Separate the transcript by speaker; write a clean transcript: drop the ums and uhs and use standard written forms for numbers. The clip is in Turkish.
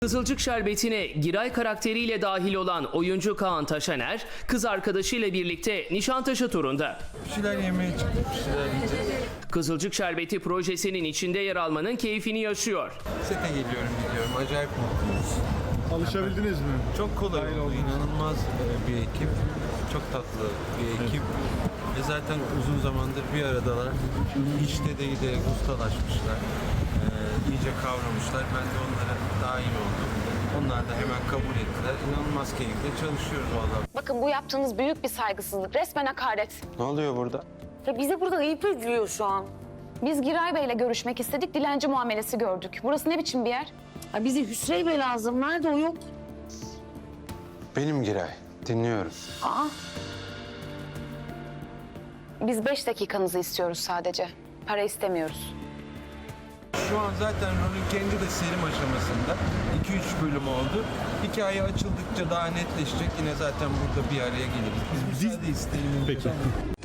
Speaker 1: Kızılcık Şerbeti'ne Giray karakteriyle dahil olan oyuncu Kaan Taşaner, kız arkadaşıyla birlikte Nişantaşı turunda.
Speaker 2: Bir şeyler yemeye çıktık, bir şeyler yiyeceğiz.
Speaker 1: Kızılcık Şerbeti projesinin içinde yer almanın keyfini yaşıyor.
Speaker 2: Sete geliyorum, gidiyorum. Acayip mutluyuz.
Speaker 3: Alışabildiniz mi?
Speaker 2: Çok kolay oldu, inanılmaz bir ekip. Çok tatlı bir ekip. Ve zaten uzun zamandır bir aradalar. İşte de giderek ustalaşmışlar. İyice kavramışlar. Ben de onlara dahil oldum. Onlar da hemen kabul ettiler. İnanılmaz keyifle çalışıyoruz vallahi.
Speaker 4: Bakın bu yaptığınız büyük bir saygısızlık. Resmen hakaret.
Speaker 2: Ne oluyor burada?
Speaker 4: Ya bize burada ayıp ediliyor şu an. Biz Giray Bey'le görüşmek istedik. Dilenci muamelesi gördük. Burası ne biçim bir yer?
Speaker 5: Ya bize Hüsrev Bey lazım. Nerede o yok?
Speaker 2: Benim Giray. Dinliyorum.
Speaker 5: Aa,
Speaker 4: Biz 5 dakikanızı istiyoruz sadece. Para istemiyoruz.
Speaker 2: Şu an zaten rolün kendi de serim aşamasında. 2-3 bölüm oldu. Hikaye açıldıkça daha netleşecek. Yine zaten burada bir araya geliriz. Biz müsaade isteyelim.
Speaker 3: Peki.